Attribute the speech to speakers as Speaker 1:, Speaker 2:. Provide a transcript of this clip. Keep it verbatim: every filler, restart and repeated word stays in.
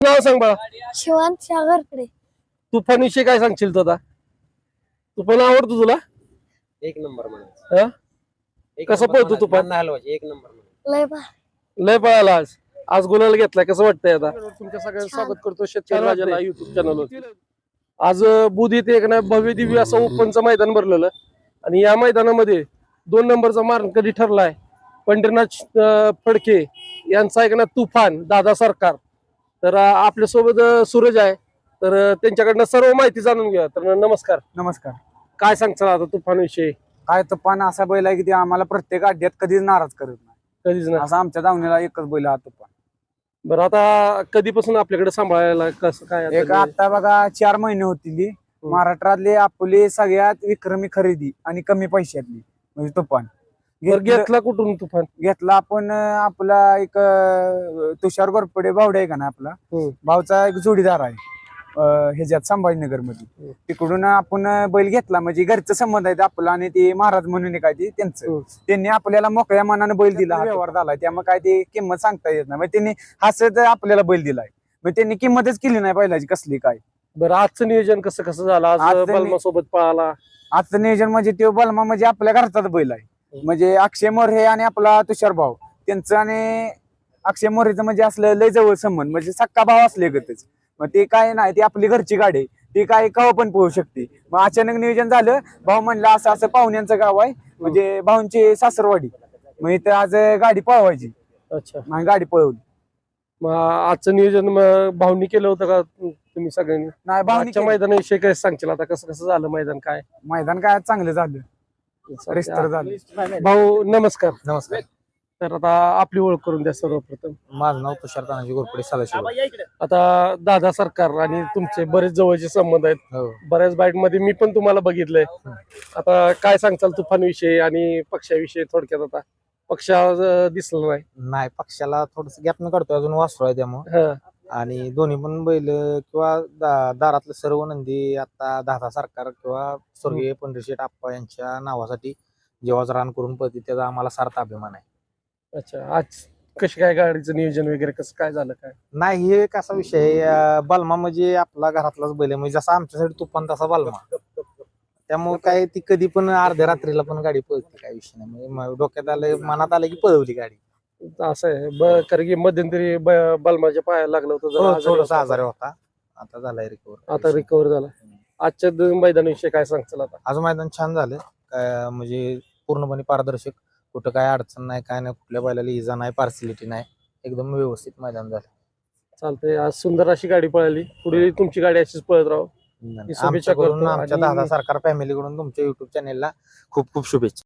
Speaker 1: नाव सांग बाळा.
Speaker 2: शिवांत सागरकडे.
Speaker 1: तुफान विषय काय सांगशील तू आता? तुफान आवडतो तुला?
Speaker 3: एक नंबर म्हणा.
Speaker 1: कसं पळतो तुफान?
Speaker 3: एक नंबर
Speaker 2: लय बा
Speaker 1: लय पळाला आज. आज गुलाल घेतलाय, कसं वाटतंय आता? तुमच्या सगळ्यांचं स्वागत करतो शेतकरी राजाला युट्यूब चॅनलवर. आज बुध इथे एक ना भव्य दिव्य असं ओपनचं मैदान भरलेलं आणि या मैदानामध्ये दोन नंबरचा मानकरी ठरलाय पंढरीनाथ अं, फडके यांचा एक ना तुफान दादा सरकार. तर अं, आपल्यासोबत अं, सूरज आहे. तर अं, त्यांच्याकडनं सर्व माहिती जाणून घ्या. तर नमस्कार.
Speaker 4: नमस्कार.
Speaker 1: काय सांगचाल आता तुफान विषयी?
Speaker 4: काय तुफान असा बैल आहे की ते आम्हाला प्रत्येक अड्ड्यात कधीच नाराज करत नाही.
Speaker 1: कधीच ना.
Speaker 4: असा आमच्या दावणीला एकच बैल हा तुफान.
Speaker 1: बरं, आता कधीपासून आपल्याकडे सांभाळायला कसं काय आता?
Speaker 4: एक आता बघा चार महिने होतील महाराष्ट्रातली आपली सगळ्यात विक्रमी खरेदी आणि कमी पैशातली म्हणजे तुफान.
Speaker 1: बरं, घेतला कुठून तुफान?
Speaker 4: घेतला आपण अं, आपला एक अं, तुषार गोरपडे भावडे आहे का ना आपला
Speaker 1: हम्म.
Speaker 4: भावचा एक जोडीदार आहे अं, ह्याच्यात संभाजीनगर मध्ये. तिकडून आपण अं, बैल घेतला म्हणजे घरचा संबंध आहे आपला आणि ते महाराज म्हणून काय ते त्यांचं. त्यांनी आपल्याला मोकळ्या मनाने बैल दिला, व्यवहार झाला. त्यामुळे काय ते किंमत सांगता येत नाही. म्हणजे त्यांनी हसत आपल्याला बैल दिलाय. मग त्यांनी किंमतच केली नाही बैलाची कसली काय.
Speaker 1: बरं, आजचं नियोजन कसं कसं झालं? आज
Speaker 4: आजचं
Speaker 1: बलमा सोबत पळाला.
Speaker 4: आजचं नियोजन म्हणजे ते बलमा म्हणजे आपल्या घरचाच बैल आहे. म्हणजे अक्षय मोरे आणि आपला तुषार भाऊ त्यांचं आणि अक्षय मोरेचं म्हणजे असलं लय जवळ संबंध म्हणजे सक्का भाव असले गतच. मग ते काय नाही, ती आपली घरची गाडी आहे, ती काय कवा पण पोहू शकते. मग अचानक नियोजन झालं, भाऊ म्हणलं असं असं पाहुण्यांचं गाव आहे म्हणजे भाऊंची सासरवाडी, मग इथं आज गाडी पळवायची.
Speaker 1: अच्छा,
Speaker 4: मग गाडी पळवली.
Speaker 1: मग आजचं नियोजन मग भाऊनी केलं होतं का तुम्ही सगळ्यांनी?
Speaker 4: नाही भाऊनी
Speaker 1: आजच्या
Speaker 4: केलं.
Speaker 1: मैदानाविषयी काय सांगशील आता? कसं कसं झालं मैदान? काय
Speaker 4: मैदान काय चांगलं झालं, रिस्तर झालं.
Speaker 1: भाऊ नमस्कार.
Speaker 3: नमस्कार.
Speaker 1: तर आता आपली ओळख करून द्या सर्वप्रथम.
Speaker 3: माझं नाव तुषार तानाजी गोरपडे सदाशिव.
Speaker 1: आता दादा सरकार आणि तुमचे बरेच जवळचे संबंध आहेत.
Speaker 3: हो.
Speaker 1: बऱ्याच बाईट मध्ये मी पण तुम्हाला बघितलंय. आता काय सांगचाल तुफान विषयी आणि पक्षाविषयी थोडक्यात? आता पक्ष आज, अं, दिसला नाही.
Speaker 3: नाही, पक्षाला थोडस गॅप न काढतोय, अजून वासरू आहे त्यामुळे.
Speaker 1: हा.
Speaker 3: आणि दोन्ही पण बैल किंवा दा- दारातले सर्व नंदी आता दादा सरकार किंवा स्वर्गीय पंढरीशेठ आप्पा यांच्या नावासाठी जेव्हा रान करून पळते त्याचा आम्हाला सार्थ अभिमान आहे.
Speaker 1: अच्छा, आज कशी काय गाडीचं नियोजन वगैरे कसं काय झालं काय?
Speaker 3: नाही, हे कसा विषय आहे, अं, बलमा म्हणजे आपला घरातलाच बैल आहे. म्हणजे जसा आमच्यासाठी तुफान तसा बलमा. त्यामुळे काय ती कधी पण अर्ध्या रात्रीला पण गाडी पळते, काय विषय नाही. म्हणजे म- डोक्यात आलं, मनात आलं की पळवली गाडी.
Speaker 1: असं आहे. ब- कारण की मध्यंतरी ब- बलमाच्या पायाला लागलं होतं, जरा आजारी
Speaker 3: थोडासा
Speaker 1: होता.
Speaker 3: आजारी होता, आता झालाय रिकवर.
Speaker 1: आता रिकवर झाला. आजच्या दोन मैदानाविषयी काय सांगचाल आता?
Speaker 3: आज मैदान छान झालं. काय म्हणजे पूर्णपणे पारदर्शक, कुठं काय अडचण नाही, काय नाही, कुठल्या बैलाला इजा नाही, पार्सिलिटी नाही, एकदम व्यवस्थित मैदान झालं.
Speaker 1: चालतंय. आज सुंदर अशी गाडी पळाली. पुढे तुमची गाडी अशीच पळत राहो. शुभेच्छा
Speaker 3: आमच्याकडून,
Speaker 1: करतो
Speaker 3: आमच्या
Speaker 1: आणि-
Speaker 3: दादा सरकार फॅमिलीकडून तुमच्या युट्यूब चॅनेलला खूप खूप शुभेच्छा.